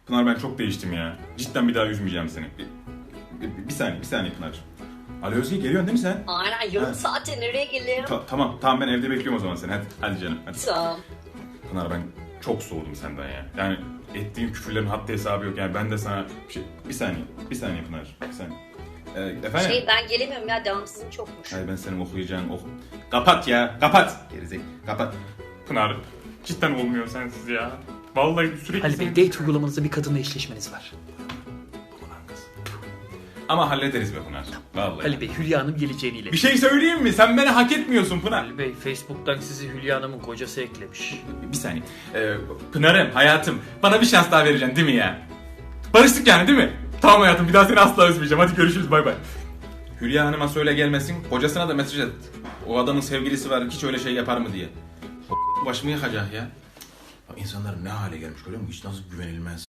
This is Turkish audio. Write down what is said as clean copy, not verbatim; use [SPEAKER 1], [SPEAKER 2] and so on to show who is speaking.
[SPEAKER 1] Pınar ben çok değiştim ya. Cidden bir daha üzmeyeceğim seni. Bir saniye Pınar. Ali Özge geliyorsun değil mi sen?
[SPEAKER 2] Aynen yarım
[SPEAKER 1] Ha.
[SPEAKER 2] saate nereye geleyim?
[SPEAKER 1] Tamam ben evde bekliyorum o zaman seni. Hadi canım hadi.
[SPEAKER 2] Tamam.
[SPEAKER 1] Pınar ben çok soğudum senden ya. Yani ettiğim küfürlerin haddi hesabı yok. Yani ben de sana bir saniye Pınar. Bir saniye. Efendim?
[SPEAKER 2] Ben gelemiyorum ya, devamsızım çokmuş.
[SPEAKER 1] Hayır ben senin okuyacağın Kapat ya kapat. Gerizek kapat. Pınar cidden olmuyor sensiz ya. Vallahi sürekli
[SPEAKER 3] Ali Bey, date uygulamanızda bir kadınla eşleşmeniz var.
[SPEAKER 1] Ama hallederiz be Pınar. Vallahi.
[SPEAKER 3] Ali Bey, Hülya Hanım geleceğini
[SPEAKER 1] Bir
[SPEAKER 3] iletti.
[SPEAKER 1] şey söyleyeyim mi? Sen beni hak etmiyorsun Pınar.
[SPEAKER 3] Ali Bey, Facebook'tan sizi Hülya Hanım'ın kocası eklemiş.
[SPEAKER 1] Bir saniye. Pınar'ım hayatım bana bir şans daha vereceksin değil mi ya? Barıştık yani değil mi? Tamam hayatım bir daha seni asla üzmeyeceğim. Hadi görüşürüz bay bay. Hülya Hanım'a söyle gelmesin. Kocasına da mesaj et. O adamın sevgilisi var hiç öyle şey yapar mı diye. O başımı yakacak ya. İnsanlar ne hale gelmiş görüyor musun? Hiç nasıl güvenilmez.